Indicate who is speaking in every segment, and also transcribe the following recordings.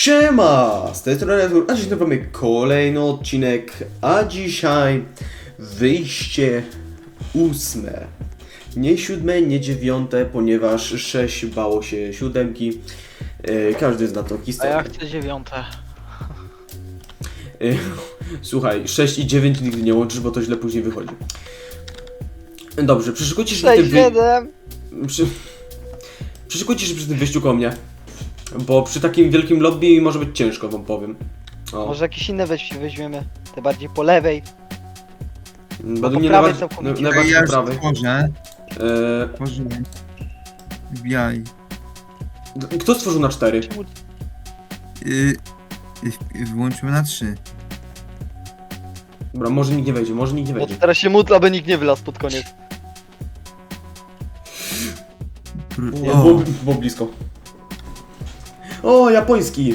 Speaker 1: Siema! Z tej strony Artur, a dziś mamy kolejny odcinek, a dzisiaj wyjście 8. Nie 7, nie 9, ponieważ 6 bało się 7. Każdy zna tą
Speaker 2: A
Speaker 1: historię.
Speaker 2: ja chcę 9.
Speaker 1: Słuchaj, 6 i 9 nigdy nie łączysz, bo to źle później wychodzi. Dobrze, przeszykujcie się
Speaker 2: 6, 7.
Speaker 1: Przeszykujcie się przy tym wyjściu koło mnie. Bo przy takim wielkim lobby może być ciężko, wam powiem. O.
Speaker 2: Może jakieś inne weźmiemy. Te bardziej po lewej.
Speaker 1: Według
Speaker 2: po
Speaker 1: mnie
Speaker 2: prawej
Speaker 1: najbardziej,
Speaker 2: całkowicie.
Speaker 1: najbardziej
Speaker 3: Ja
Speaker 1: po
Speaker 3: już
Speaker 1: prawej.
Speaker 3: tworzę.
Speaker 1: Eee,
Speaker 3: Tworzę. Wbijaj.
Speaker 1: Kto stworzył na 4?
Speaker 2: Czemu-
Speaker 3: Wyłączymy na 3.
Speaker 1: Dobra, może nikt nie wejdzie, może nikt nie
Speaker 2: Bo
Speaker 1: wejdzie.
Speaker 2: teraz się módl, aby nikt nie wylazł pod koniec.
Speaker 1: Nie,
Speaker 3: O,
Speaker 1: było blisko. O, japoński!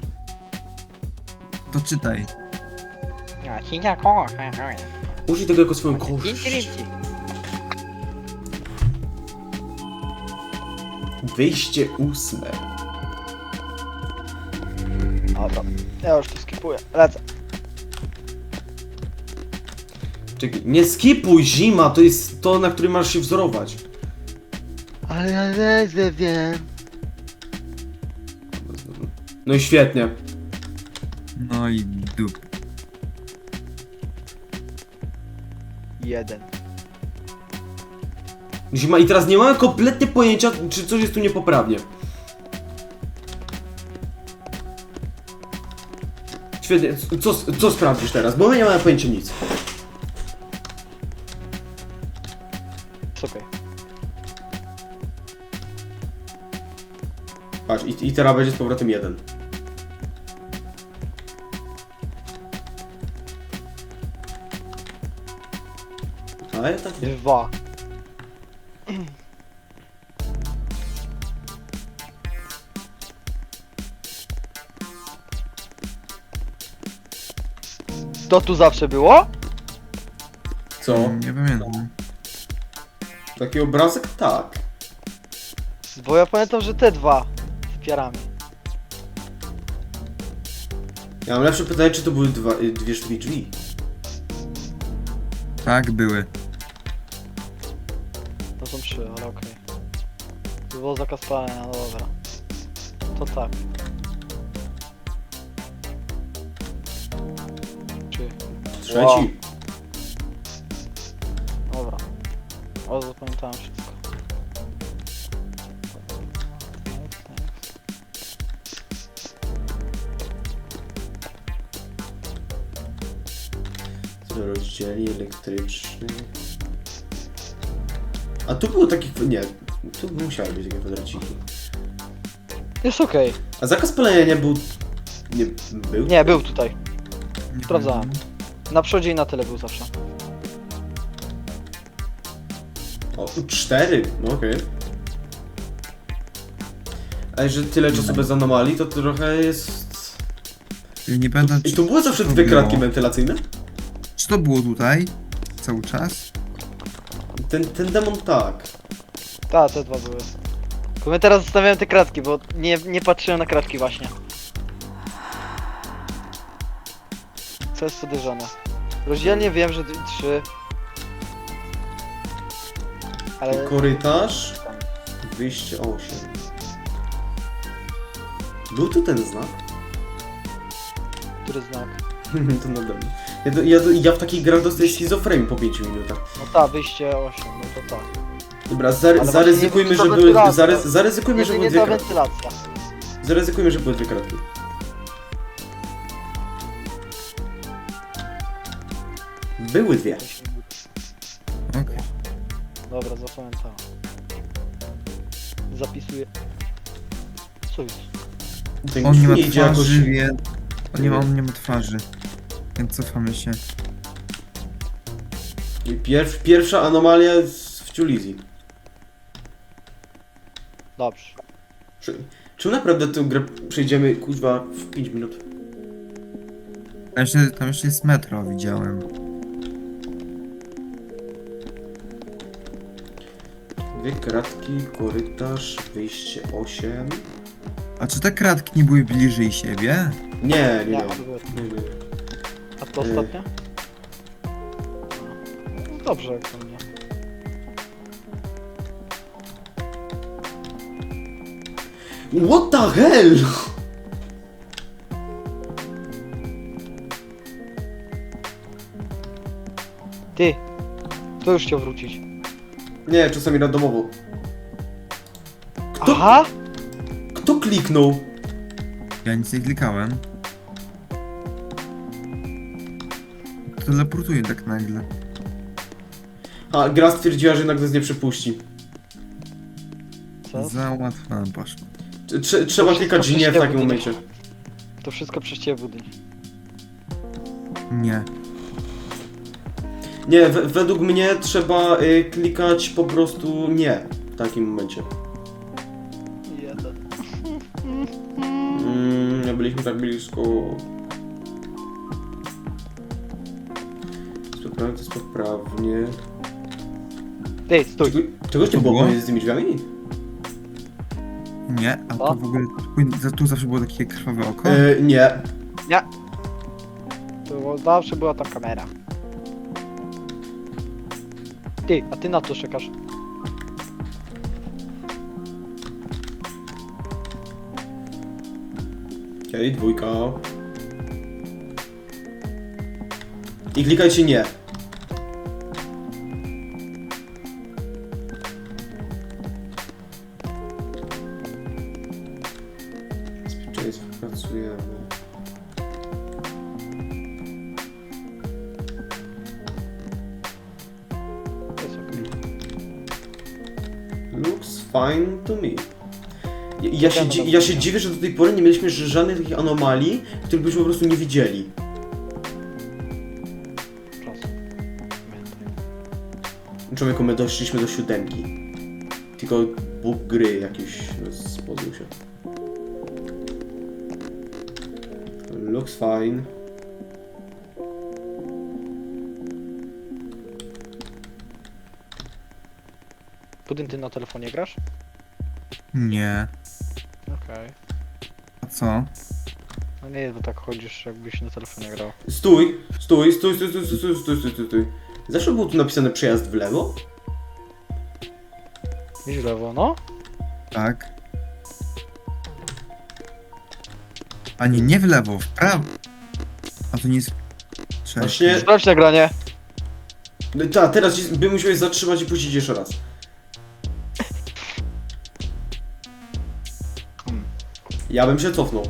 Speaker 3: to czytaj.
Speaker 1: Użyj tego jako swoją korzyść. Wyjście 8.
Speaker 2: Dobra, ja już to skipuję. Lecę.
Speaker 1: Czekaj, nie skipuj, zima, to jest to, na którym masz się wzorować.
Speaker 2: Ale ja nie wiem.
Speaker 1: No i świetnie.
Speaker 3: No i dup.
Speaker 2: 1.
Speaker 1: Zima i teraz nie mamy kompletnie pojęcia, czy coś jest tu niepoprawnie. Świetnie, co sprawdzisz teraz? Bo my nie mamy pojęcia nic.
Speaker 2: Okej.
Speaker 1: Patrz, i teraz będzie z powrotem 1. A ja tak nie.
Speaker 2: 2. To tu zawsze było?
Speaker 1: Co?
Speaker 3: Nie pamiętam.
Speaker 1: Taki obrazek? Tak.
Speaker 2: Bo ja pamiętam, że te dwa z piarami.
Speaker 1: Ja mam lepsze pytanie, czy to były dwie sztuki drzwi?
Speaker 3: Tak, były.
Speaker 2: To są 3, ale okej. To było zakaz palenia, no dobra. To tak. 3.
Speaker 1: Trzeci.
Speaker 2: Wow. Dobra. O, zapamiętałem wszystko.
Speaker 1: Rozdzieli elektryczny. A tu było takie... Nie. Tu musiały być takie kwadraciki.
Speaker 2: Jest okej.
Speaker 1: A zakaz palenia nie był... Nie był?
Speaker 2: Nie, był tutaj.
Speaker 3: Nie
Speaker 2: Sprawdzałem.
Speaker 3: pamiętam.
Speaker 2: Na przodzie i na tyle był zawsze.
Speaker 1: O, 4. No okej. A że tyle czasu bez anomalii, to trochę jest...
Speaker 3: Nie pamiętam,
Speaker 1: I tu były zawsze
Speaker 3: to
Speaker 1: dwie
Speaker 3: było.
Speaker 1: kratki wentylacyjne?
Speaker 3: Czy to było tutaj? Cały czas?
Speaker 1: Ten demon tak.
Speaker 2: Tak, te dwa były. Tylko my teraz zostawiałem te kratki, bo nie patrzyłem na kratki właśnie. Co jest podejrzane? Rozdzielnie wiem, że 3. Ale...
Speaker 1: Korytarz. Wyjście 8. Był tu ten znak?
Speaker 2: Który znak?
Speaker 1: To nade mną. Ja w takich grach dostaję schizofrenii po 5 minutach.
Speaker 2: No tak, wyjście 8, no to tak.
Speaker 1: Dobra,
Speaker 2: Ale
Speaker 1: zaryzykujmy,
Speaker 2: właśnie
Speaker 1: że
Speaker 2: nie
Speaker 1: były...
Speaker 2: wiem, czy to wentylacja.
Speaker 1: Zaryzykujmy, że były
Speaker 2: Jedynie
Speaker 1: dwie
Speaker 2: ta
Speaker 1: kratki.
Speaker 2: wentylacja.
Speaker 1: Zaryzykujmy, że były dwie kratki. Były dwie.
Speaker 3: Okej.
Speaker 2: Dobra, zapamiętałem. Zapisuję. Co jest?
Speaker 1: Ten
Speaker 3: On nie ma
Speaker 1: nie idzie jakoś...
Speaker 3: twarzy, więc... On nie ma twarzy. Więc cofamy się.
Speaker 1: Pierwsza anomalia w Ciulizji.
Speaker 2: Dobrze.
Speaker 1: Czy naprawdę tę grę przejdziemy, kuźwa, w 5 minut?
Speaker 3: Tam jeszcze jest metro, widziałem.
Speaker 1: Dwie kratki, korytarz, wyjście 8.
Speaker 3: A czy te kratki nie były bliżej siebie?
Speaker 1: Nie, nie,
Speaker 2: Nie,
Speaker 1: nie.
Speaker 2: to było...
Speaker 1: Nie, nie.
Speaker 2: A to ostatnia? No, dobrze, jak to mnie.
Speaker 1: What the hell?
Speaker 2: Ty! To już chciał wrócić.
Speaker 1: Nie, czasami randomowo. Kto,
Speaker 2: Aha!
Speaker 1: kto kliknął?
Speaker 3: Ja nic nie klikałem. Teleportuję tak nagle.
Speaker 1: A, gra stwierdziła, że jednak nas nie przepuści.
Speaker 2: Co?
Speaker 3: Za łatwo nam poszło.
Speaker 1: Trzeba klikać
Speaker 2: wszystko
Speaker 1: nie w takim
Speaker 2: przecież
Speaker 1: momencie.
Speaker 2: To wszystko przez ciebie budyń.
Speaker 3: Nie.
Speaker 1: Nie, według mnie trzeba klikać po prostu nie w takim momencie.
Speaker 2: Jeden.
Speaker 1: Nie byliśmy tak blisko. Sprawnie, to jest poprawnie.
Speaker 2: Ty, stój!
Speaker 1: Czegoś nie
Speaker 3: To
Speaker 1: było
Speaker 3: było?
Speaker 1: pomiędzy tymi drzwiami?
Speaker 3: Nie, a
Speaker 2: Co?
Speaker 3: to w ogóle... Tu zawsze było takie krwawe oko.
Speaker 1: Nie.
Speaker 2: To zawsze była ta kamera. Ty, a ty na to czekasz.
Speaker 1: Okej, dwójka. I klikajcie nie. Bezpieczeństwo pracujemy.
Speaker 2: To jest okej.
Speaker 1: Looks fine to me. Ja się dziwię, że do tej pory nie mieliśmy żadnych takich anomalii, których byśmy po prostu nie widzieli.
Speaker 2: Czas. Pamiętaj.
Speaker 1: Człowieku, my doszliśmy do 7. Tylko bóg gry jakiś spodzył się. Looks fine.
Speaker 2: Budyń, ty na telefonie grasz?
Speaker 3: Nie.
Speaker 2: Okej.
Speaker 3: A co?
Speaker 2: No nie, bo tak chodzisz, jakbyś na telefonie grał.
Speaker 1: Stój! Zawsze było tu napisane przejazd w lewo?
Speaker 2: Idź w lewo, no?
Speaker 3: Tak. A nie w lewo, w prawo. A to nie jest... Cześć.
Speaker 1: Właśnie-
Speaker 2: Sprawdź nagranie.
Speaker 1: No tak, teraz by musiałeś zatrzymać i puścić jeszcze raz. Ja bym się cofnął.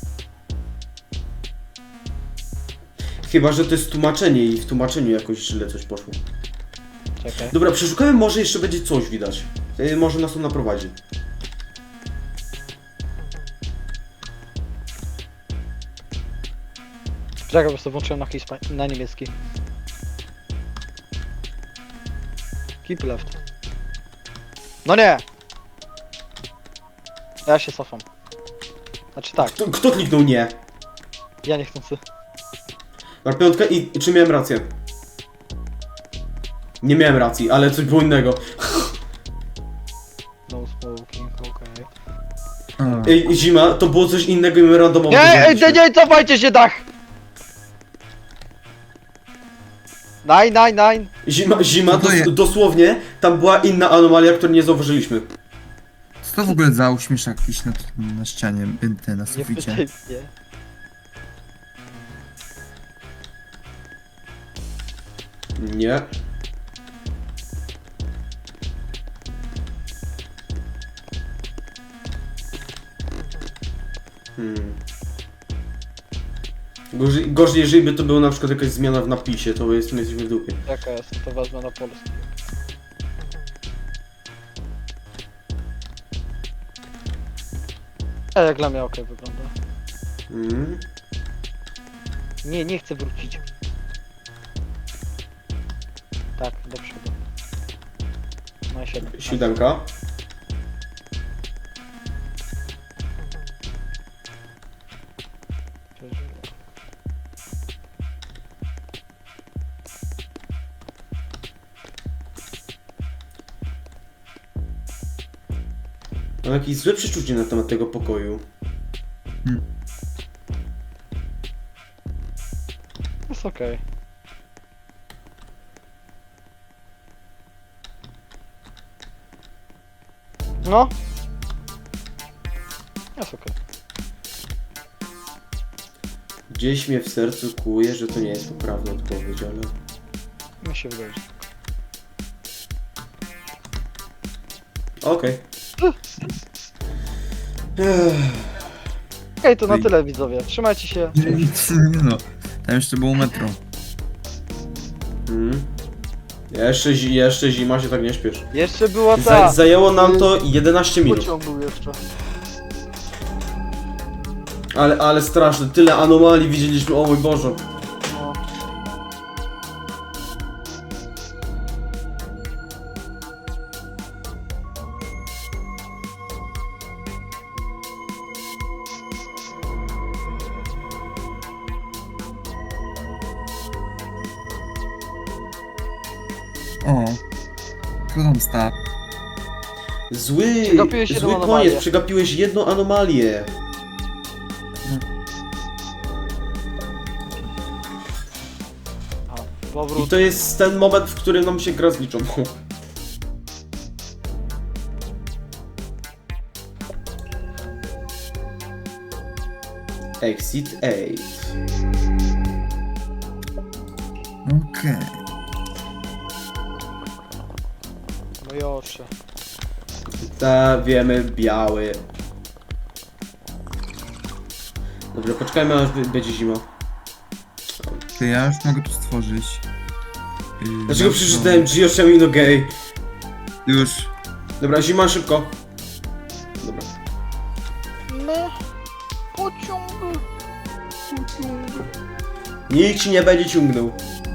Speaker 1: Chyba, że to jest tłumaczenie i w tłumaczeniu jakoś źle coś poszło.
Speaker 2: Czekaj.
Speaker 1: Dobra, przeszukamy, może jeszcze będzie coś widać. Może nas to naprowadzi.
Speaker 2: Czekaj, po prostu włączyłem na niemiecki. Keep left. No nie! Ja się cofam. Znaczy tak,
Speaker 1: Kto kliknął nie?
Speaker 2: ja nie chcę.
Speaker 1: Na piątkę i czy miałem rację? Nie miałem racji, ale coś było innego.
Speaker 2: No smoking, okej.
Speaker 3: A,
Speaker 1: Ej, zima, to było coś innego i my randomowo
Speaker 2: Nie,
Speaker 1: to
Speaker 2: ej,
Speaker 1: zrobiliśmy.
Speaker 2: nie, cofajcie się, dach! Nine.
Speaker 1: Zima,
Speaker 3: Co to jest?
Speaker 1: dosłownie, tam była inna anomalia, której nie zauważyliśmy.
Speaker 3: co to w ogóle za uśmieszak jakiś na ścianie, na
Speaker 2: Nie
Speaker 3: suficie?
Speaker 2: pytaj mnie.
Speaker 1: Nie. Gorzej, jeżeli by to była na przykład jakaś zmiana w napisie, to jesteśmy w dupie.
Speaker 2: Jaka jest, to wezmę na polski. A jak dla mnie okej wygląda.
Speaker 1: Mm.
Speaker 2: Nie chcę wrócić. Tak, do przodu. No i 7.
Speaker 1: 7. Mam jakieś złe przeczucie na temat tego pokoju.
Speaker 2: Jest okej. No. Jest okej.
Speaker 1: Gdzieś mnie w sercu kłuje, że to nie jest poprawna odpowiedź, ale...
Speaker 2: Mi się wydaje, że...
Speaker 1: Okej.
Speaker 2: Okej, to na tyle widzowie. Trzymajcie się.
Speaker 3: No. Tam jeszcze było metro.
Speaker 1: Jeszcze zima, się tak nie śpiesz.
Speaker 2: Jeszcze była ta...
Speaker 1: Zajęło nam to 11 minut.
Speaker 2: Pociąg był jeszcze.
Speaker 1: Ale straszne, tyle anomalii widzieliśmy, o mój Boże.
Speaker 2: No.
Speaker 3: O. Co tam stał?
Speaker 1: Zły
Speaker 2: Przegapiłeś jedną
Speaker 1: koniec,
Speaker 2: anomalię.
Speaker 1: przegapiłeś jedną anomalię.
Speaker 2: A,
Speaker 1: I
Speaker 2: powrót.
Speaker 1: to jest ten moment, w którym nam się gra zliczą. Exit 8.
Speaker 3: Okej.
Speaker 2: No Josze.
Speaker 1: Ta, wiemy, biały. Dobra, poczekajmy aż będzie zima.
Speaker 3: To ja już mogę tu stworzyć.
Speaker 1: Dlaczego przeczytałem Gioshemi no gay?
Speaker 3: Już.
Speaker 1: Dobra, zima szybko. Dobra.
Speaker 2: No. Pociąg.
Speaker 1: Nikt ci nie będzie ciągnął.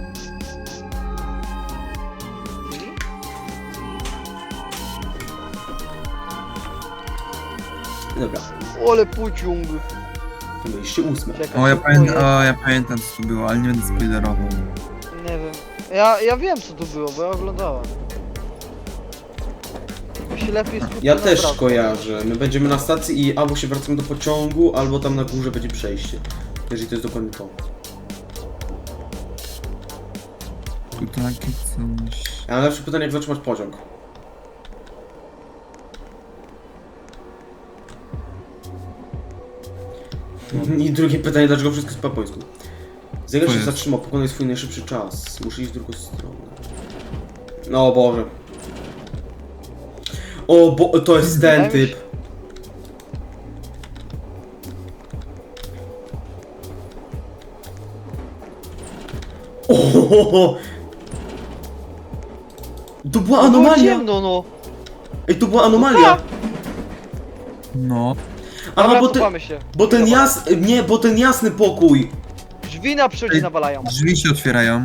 Speaker 1: Dobra,
Speaker 2: Ole pociąg.
Speaker 1: to byliście 8.
Speaker 2: Czekaj,
Speaker 3: O,
Speaker 2: próbuję-
Speaker 3: ja pamiętam co tu było, ale nie będę spoilerował.
Speaker 2: Nie wiem. Ja wiem co tu było, bo ja oglądałem. Mi się lepiej skupia
Speaker 1: Ja
Speaker 2: na
Speaker 1: też
Speaker 2: bratku.
Speaker 1: kojarzę. My będziemy na stacji i albo się wracamy do pociągu, albo tam na górze będzie przejście. Jeżeli to jest dokładnie to.
Speaker 3: Tu takie coś.
Speaker 1: Ja mam lepsze pytanie, jak zatrzymać pociąg. I drugie pytanie, dlaczego wszystko jest po japońsku? Zegar
Speaker 3: Co
Speaker 1: się
Speaker 3: jest?
Speaker 1: zatrzymał, pokonaj swój najszybszy czas. Muszę iść w drugą stronę. No Boże. O, bo to jest ten
Speaker 2: Wydaje mi się-
Speaker 1: typ. O, to była
Speaker 2: No było
Speaker 1: anomalia!
Speaker 2: ciemno, no.
Speaker 1: Ej, to była anomalia!
Speaker 3: No.
Speaker 1: Aha,
Speaker 2: Dobra,
Speaker 1: bo ten,
Speaker 2: cofamy się.
Speaker 1: bo ten
Speaker 2: Dobra.
Speaker 1: nie, bo ten jasny pokój.
Speaker 2: Drzwi na przodzie nawalają.
Speaker 3: Drzwi się otwierają.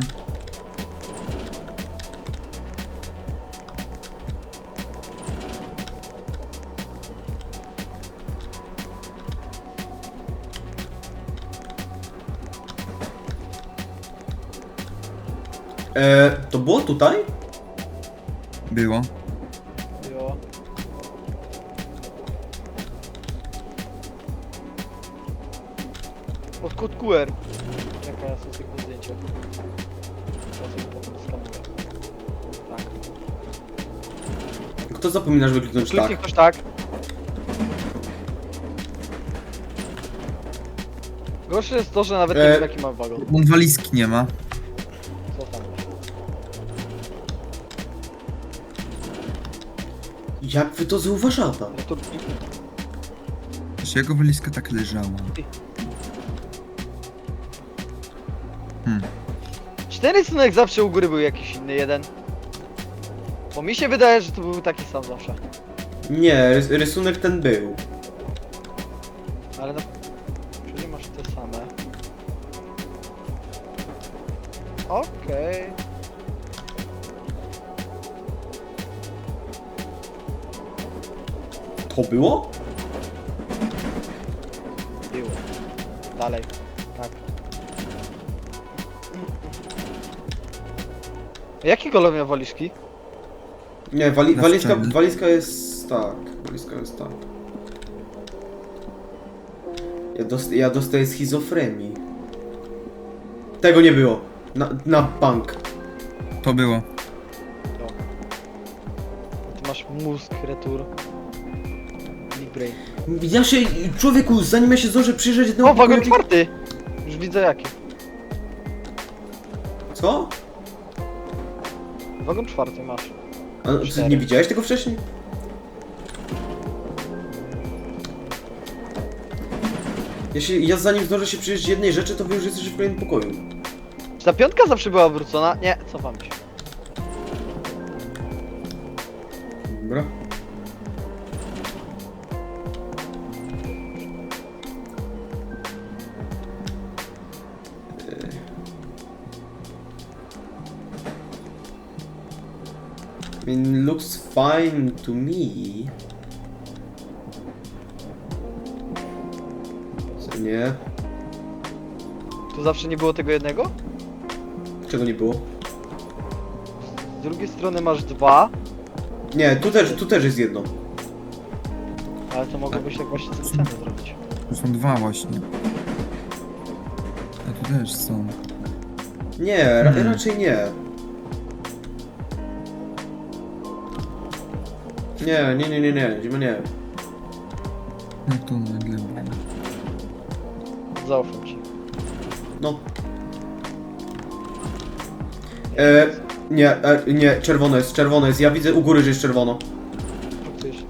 Speaker 1: To było tutaj?
Speaker 3: Było.
Speaker 2: Jo. Od kod QR. Jaka ja sobie tego zdjęcia. Ja sobie potem skanuję. Tak.
Speaker 1: Kto zapomina, żeby kliknąć
Speaker 2: Kliknij
Speaker 1: tak?
Speaker 2: ktoś tak. Gorsze jest to, że nawet nie wiem jaki ma wagon.
Speaker 3: On walizki nie ma.
Speaker 2: Co tam?
Speaker 1: Jak wy to zauważacie?
Speaker 2: No to...
Speaker 3: Czy jego walizka tak leżała?
Speaker 2: Cztery rysunek zawsze u góry był jakiś inny jeden. Bo mi się wydaje, że to był taki sam zawsze.
Speaker 1: Nie, rysunek ten był.
Speaker 2: Ale na... Czyli masz te same. Okej.
Speaker 1: To było?
Speaker 2: Było. Dalej. Tak. Jaki kolor miał walizki?
Speaker 1: Nie,
Speaker 3: Na
Speaker 1: walizka,
Speaker 3: szczęście.
Speaker 1: walizka jest tak. Walizka jest tak. Ja dostaję schizofrenii. Tego nie było. Na bank.
Speaker 3: To było.
Speaker 2: Ty masz mózg, retur. Big brain.
Speaker 1: Ja się, człowieku, zanim ja się zdążę przyjrzeć jednemu
Speaker 2: O, wagon
Speaker 1: pokoju-
Speaker 2: czwarty! Już widzę jaki.
Speaker 1: Co?
Speaker 2: Wagon czwarty masz.
Speaker 1: A, ty
Speaker 2: 4.
Speaker 1: nie widziałeś tego wcześniej? Ja zanim zdążę się przyjrzeć jednej rzeczy, to wy już jesteście w kolejnym pokoju.
Speaker 2: Czy ta piątka zawsze była wrócona? Nie, cofam się.
Speaker 1: Dobra. I mean, looks fine to me. Co nie?
Speaker 2: Tu zawsze nie było tego jednego?
Speaker 1: Czego nie było?
Speaker 2: Z drugiej strony masz dwa,
Speaker 1: Nie, tu też jest jedno.
Speaker 2: ale to mogło być tak właśnie specjalnie zrobić.
Speaker 3: Tu są dwa właśnie. A tu też są.
Speaker 1: Nie, raczej nie. Nie, zima nie.
Speaker 3: No tu nagle było.
Speaker 2: Zaufam ci.
Speaker 1: No. Nie, czerwono jest. Ja widzę u góry, że jest czerwono.
Speaker 2: Faktycznie.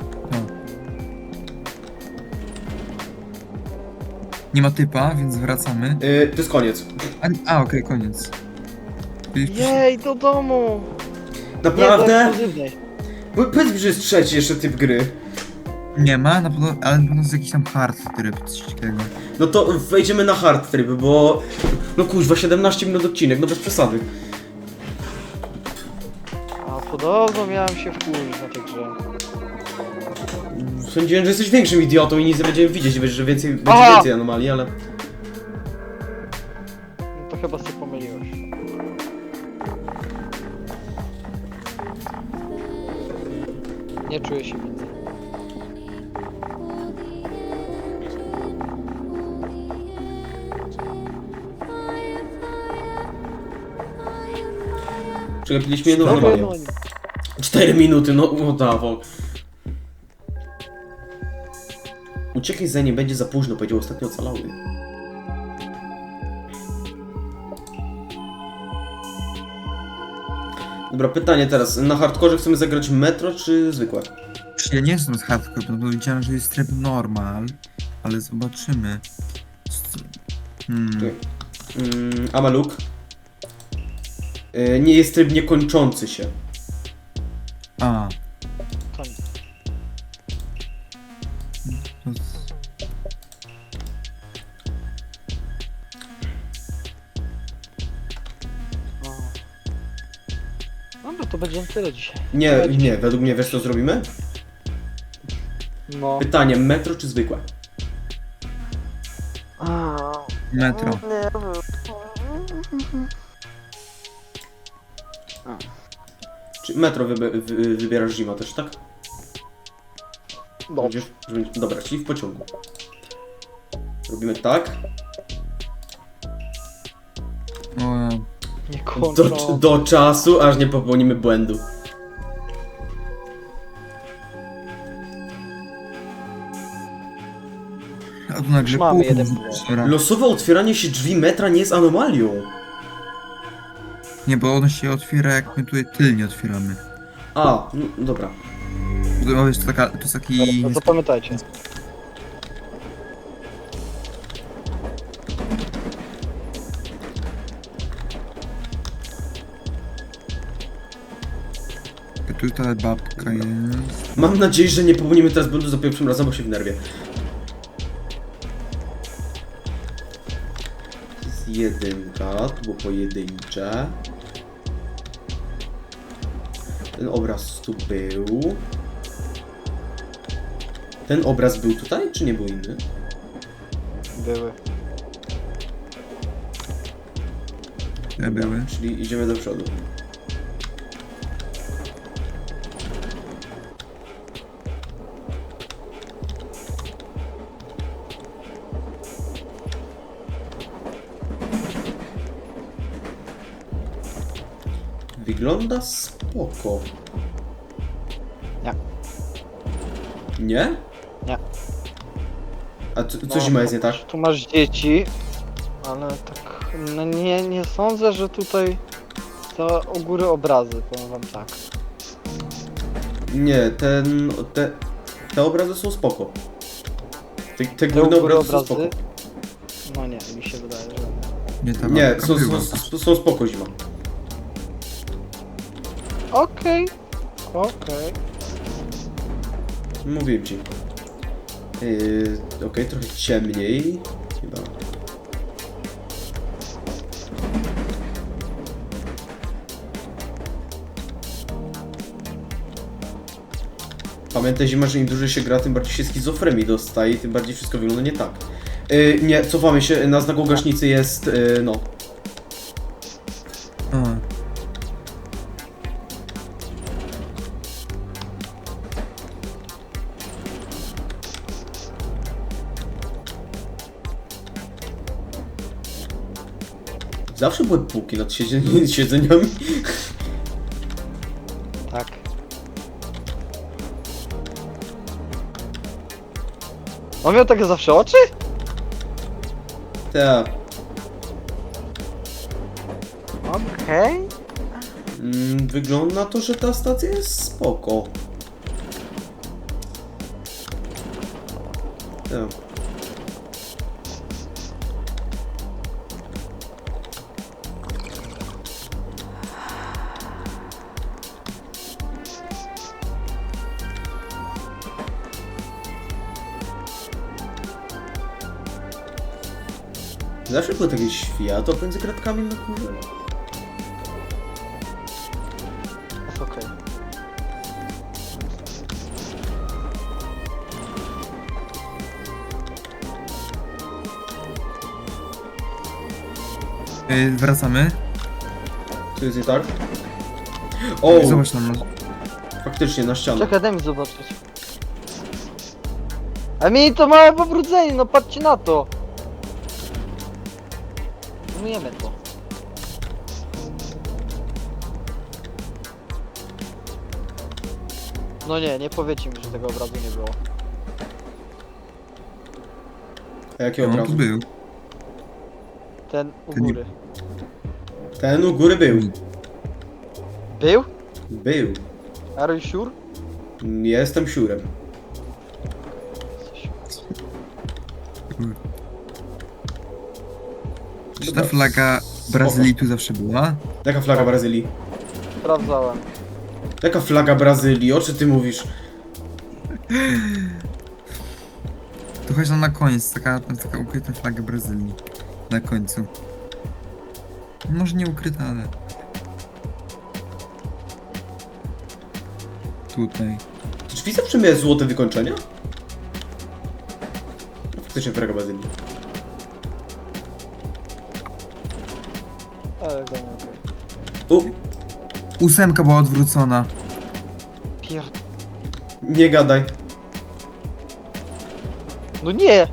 Speaker 3: Nie ma typa, więc wracamy.
Speaker 1: To jest koniec.
Speaker 3: Okej, koniec.
Speaker 2: Jej, do domu! Nie, do
Speaker 1: Naprawdę?
Speaker 2: ekskluzywnej.
Speaker 1: Powiedz mi, że jest trzeci jeszcze typ gry.
Speaker 3: Nie ma, na pewno, ale na pewno jest jakiś tam hard tryb, coś takiego.
Speaker 1: No to wejdziemy na hard tryb, bo... No kuźwa, 17 minut odcinek, no bez przesady.
Speaker 2: A podobno miałem się wkurzyć na tej grze.
Speaker 1: Sądziłem, że jesteś większym idiotą i nic nie będziemy widzieć, że będzie
Speaker 2: Aha!
Speaker 1: więcej anomalii, ale...
Speaker 2: No to chyba się pomyliłeś. Nie czuję się winny.
Speaker 1: Przegapiliśmy jedno
Speaker 2: Dobra,
Speaker 1: anomalia. 4 minuty, no dawo. Uciekaj za nim, będzie za późno, powiedział ostatnio ocalały. Dobra, pytanie teraz. Na hardkorze chcemy zagrać metro czy zwykłe?
Speaker 3: Ja nie jestem z hardcore, no bo widziałem, że jest tryb normal, ale zobaczymy.
Speaker 1: Czekaj. Amaluk. Nie jest tryb niekończący się.
Speaker 3: A,
Speaker 2: To nie.
Speaker 3: to...
Speaker 2: Dobra, to będzie tyle dzisiaj.
Speaker 1: Nie, według mnie wiesz co zrobimy?
Speaker 2: No.
Speaker 1: Pytanie, metro czy zwykłe?
Speaker 3: Metro.
Speaker 1: Czy metro wybierasz zima też, tak?
Speaker 2: Dobrze.
Speaker 1: Dobra, czyli w pociągu. Robimy tak.
Speaker 3: O,
Speaker 2: Nie kończą.
Speaker 1: Do czasu, aż nie popełnimy błędu.
Speaker 3: a tu nagle
Speaker 2: Już mamy
Speaker 3: pół
Speaker 2: jeden
Speaker 3: zaczyna.
Speaker 1: Losowe otwieranie się drzwi metra nie jest anomalią.
Speaker 3: Nie, bo ono się otwiera, jak my tutaj tylnie otwieramy.
Speaker 1: A, no, dobra.
Speaker 3: To jest taka, to jest taki...
Speaker 2: No to pamiętajcie.
Speaker 3: Tutaj babka jest.
Speaker 1: Mam nadzieję, że nie popełnimy teraz błędu za pierwszym razem, bo się wnerwię. To jest jedynka, to było pojedyncze. Ten obraz tu był. Ten obraz był tutaj, czy nie był inny?
Speaker 2: Były.
Speaker 3: Te były.
Speaker 1: Czyli idziemy do przodu. Wygląda spoko.
Speaker 2: Nie.
Speaker 1: Nie?
Speaker 2: Nie.
Speaker 1: A co zima jest nie tak?
Speaker 2: Tu masz dzieci, ale tak, no nie sądzę, że tutaj to u góry obrazy, powiem wam tak.
Speaker 1: Nie, te obrazy są spoko. Te
Speaker 2: Te
Speaker 1: górne
Speaker 2: u góry
Speaker 1: obrazy są spoko.
Speaker 2: No nie, mi się wydaje, że...
Speaker 3: Nie, ta
Speaker 1: Nie,
Speaker 3: babka była.
Speaker 1: są spoko zima.
Speaker 2: Okej.
Speaker 1: Mówiłem ci. Okej, trochę ciemniej. Chyba. Pamiętaj zima, że im dłużej się gra, tym bardziej się schizofrenii dostaje, tym bardziej wszystko wygląda nie tak. Nie, cofamy się, na znaku gaśnicy jest, no.
Speaker 3: A,
Speaker 1: Zawsze były półki nad siedzeniami.
Speaker 2: Tak. On miał takie zawsze oczy?
Speaker 1: Tak.
Speaker 2: Okej.
Speaker 1: Wygląda na to, że ta stacja jest spoko. Tak. Zawsze były takie światło między kratkami na górze.
Speaker 2: Jest okej.
Speaker 3: wracamy.
Speaker 1: Co jest nie tak? O!
Speaker 3: Zobacz tam.
Speaker 1: Faktycznie, na ścianę.
Speaker 2: Czekaj, daj mi zobaczyć. A mi to małe pobrudzenie, no patrzcie na to. Umyjemy to. No nie powiecie mi, że tego obrazu nie było.
Speaker 1: A jakiego
Speaker 3: On tu
Speaker 1: obrazu?
Speaker 3: był.
Speaker 2: Ten u
Speaker 3: Ten nie-
Speaker 2: góry.
Speaker 1: Ten u góry był.
Speaker 2: Był?
Speaker 1: Był.
Speaker 2: Are you sure?
Speaker 1: Jestem siurem.
Speaker 3: Czy ta flaga Brazylii tu zawsze była?
Speaker 1: Jaka flaga Brazylii?
Speaker 2: Sprawdzałem.
Speaker 1: Jaka flaga Brazylii? O czym ty mówisz?
Speaker 3: Tu chodź na koniec, taka ukryta flaga Brazylii. Na końcu. Może nie ukryta, ale... Tutaj.
Speaker 1: Te drzwi zawsze miały złote wykończenia? No, faktycznie flaga Brazylii.
Speaker 2: Ale go nie okej.
Speaker 1: U,
Speaker 3: 8 była odwrócona.
Speaker 2: Pier...
Speaker 1: nie gadaj.
Speaker 2: No nie!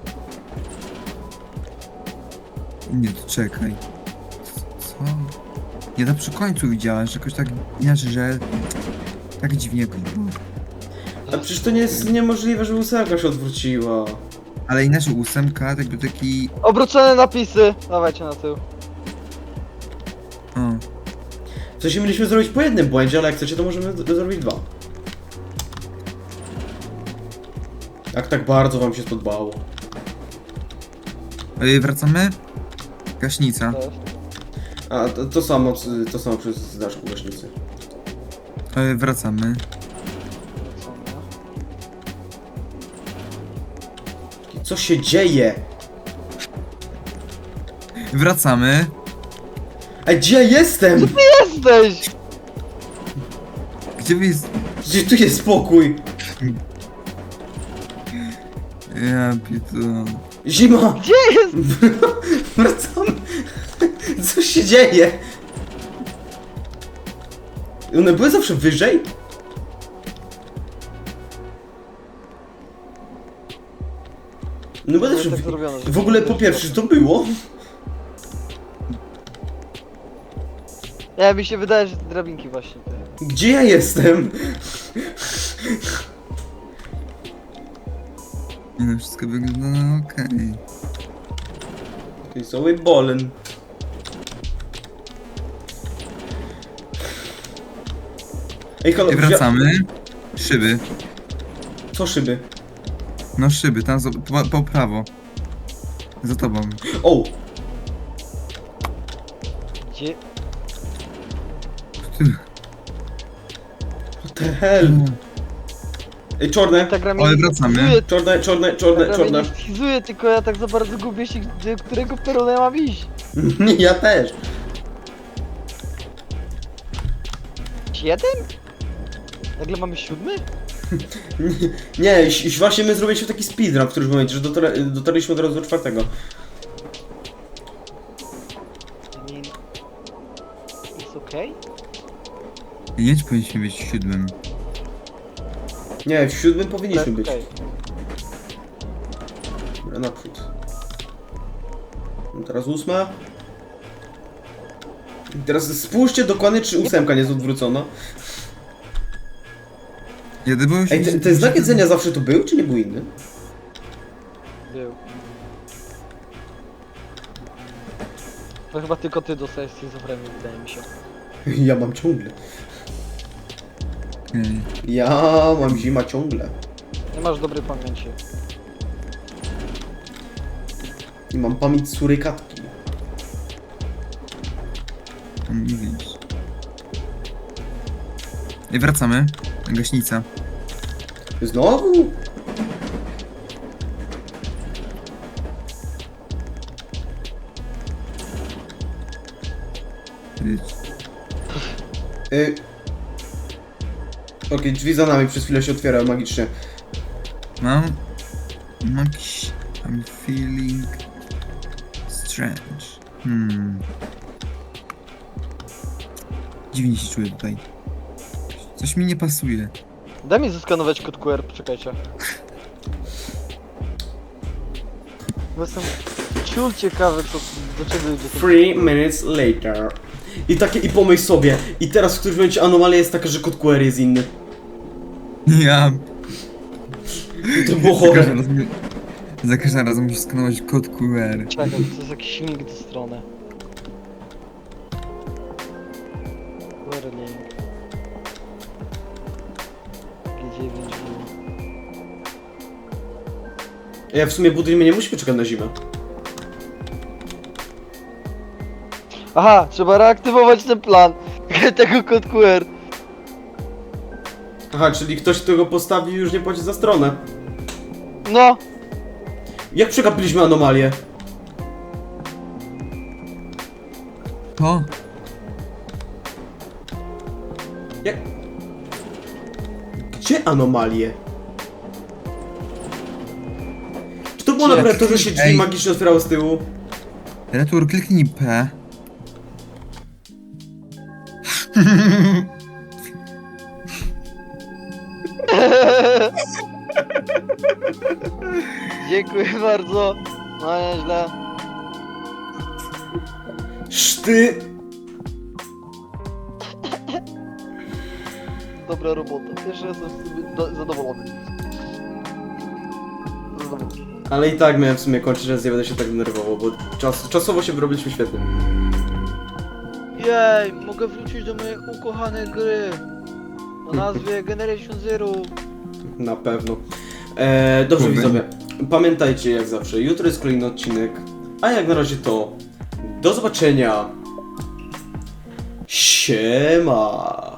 Speaker 3: Nie, to czekaj. Co? Nie, to przy końcu widziałem, że jakoś tak inaczej, że... Tak dziwnie jakoś było.
Speaker 1: A przecież to nie jest niemożliwe, że ósemka się odwróciła.
Speaker 3: Ale inaczej 8 jakby taki...
Speaker 2: Obrócone napisy! Dawajcie na tył.
Speaker 3: O.
Speaker 1: W sensie mieliśmy zrobić po jednym błędzie, ale jak chcecie, to możemy zrobić dwa. Jak tak bardzo wam się spodobało.
Speaker 3: Wracamy? Gaśnica.
Speaker 2: To jest.
Speaker 1: A to samo przez znaczku gaśnicy.
Speaker 3: Wracamy.
Speaker 1: Co się dzieje?
Speaker 3: Wracamy.
Speaker 1: A gdzie jestem?
Speaker 2: Jesteś!
Speaker 3: Gdzie wy jest...
Speaker 1: Gdzie tu jest spokój?
Speaker 3: Ja pitole.
Speaker 1: Zima!
Speaker 2: Gdzie jest?
Speaker 1: Wracamy! Co się dzieje? One były zawsze wyżej? No bo zawsze...
Speaker 2: tak zrobione, że-
Speaker 1: W ogóle po pierwsze, że to było?
Speaker 2: Ja mi się wydaje, że te drabinki właśnie te.
Speaker 1: Gdzie ja jestem?
Speaker 3: Nie no, wszystko wygląda na okej.
Speaker 1: To jest cały bolen. Ej, halo,
Speaker 3: I wracamy. Szyby.
Speaker 1: Co szyby?
Speaker 3: No szyby, tam po prawo. Za tobą.
Speaker 1: O!
Speaker 2: Gdzie?
Speaker 3: Ty.
Speaker 1: What the hell? Ej, czarne!
Speaker 2: Ta gra mnie
Speaker 3: Ale
Speaker 2: nie
Speaker 3: wracamy.
Speaker 2: schizuje,
Speaker 1: Czarne, czarne,
Speaker 2: ta
Speaker 1: czarne,
Speaker 2: gra mnie
Speaker 1: czarne.
Speaker 2: nie schizuje, tylko ja tak za bardzo gubię się, do którego perona ja mam iść.
Speaker 1: Ja też.
Speaker 2: 7? Nagle mamy 7?
Speaker 1: Nie, właśnie my zrobiliśmy taki speedrun w którymś momencie, że dotarliśmy od razu do 4.
Speaker 2: Nie... Jest okej?
Speaker 3: Nie wiem, czy powinniśmy być w 7.
Speaker 1: Nie, w 7 powinniśmy
Speaker 2: Tak,
Speaker 1: być.
Speaker 2: okej.
Speaker 1: Dobra, naprzód. No teraz 8. I teraz spójrzcie dokładnie, czy 8 nie jest odwrócona.
Speaker 3: Jeden był
Speaker 1: Ej, ten znak jedzenia zawsze tu był, czy nie był inny?
Speaker 2: Był. To chyba tylko ty dostajesz schizofrenię, wydaje mi się.
Speaker 1: Ja mam ciągle.
Speaker 3: Okej.
Speaker 1: Ja mam zima ciągle.
Speaker 2: Nie masz dobrej pamięci.
Speaker 1: I mam pamięć surykatki.
Speaker 3: On nie widzisz. I wracamy. Gaśnica.
Speaker 1: Znowu?
Speaker 3: Widz.
Speaker 1: Okej, drzwi za nami przez chwilę się otwierają magicznie.
Speaker 3: Mam jakiś... I'm feeling... strange. Dziwnie się czuję tutaj. Coś mi nie pasuje.
Speaker 2: Daj mi zeskanować kod QR, poczekajcie. Bo jestem ciul ciekawy, co, do czego idzie ten...
Speaker 1: 3 minutes later. I pomyśl sobie, i teraz w którymś momencie anomalia jest taka, że kod QR jest inny.
Speaker 3: Ja...
Speaker 1: To było
Speaker 3: Za każdym
Speaker 1: chore.
Speaker 3: razem- Za każdym razem musisz skanować kod QR.
Speaker 2: Czekaj, to jest jakiś silnik do strony. QR link. G9
Speaker 1: Ja w sumie budujemy, nie musimy czekać na zimę.
Speaker 2: Aha, trzeba reaktywować ten plan tego kod QR.
Speaker 1: Aha, czyli ktoś, kto go postawi, już nie płaci za stronę.
Speaker 2: No,
Speaker 1: Jak przegapiliśmy anomalię?
Speaker 3: To?
Speaker 1: Jak... Gdzie anomalie? Czy to było
Speaker 3: Gdzie?
Speaker 1: naprawdę to, że się drzwi
Speaker 3: Ej.
Speaker 1: magicznie otwierały z tyłu?
Speaker 3: Retur, kliknij P.
Speaker 2: dziękuję bardzo. No nieźle.
Speaker 1: Szty...
Speaker 2: Dobra robota. Jeszcze jestem z siebie zadowolony. Zadowolony.
Speaker 1: Ale i tak miałem w sumie kończyć, że nie będę się tak denerwował, bo czasowo się wyrobiliśmy świetnie.
Speaker 2: Jej, mogę wrócić do mojej ukochanej gry. O nazwie Generation Zero.
Speaker 1: Na pewno. Dobrze
Speaker 3: Kurde.
Speaker 1: widzowie, pamiętajcie jak zawsze, jutro jest kolejny odcinek, a jak na razie to do zobaczenia. Siema.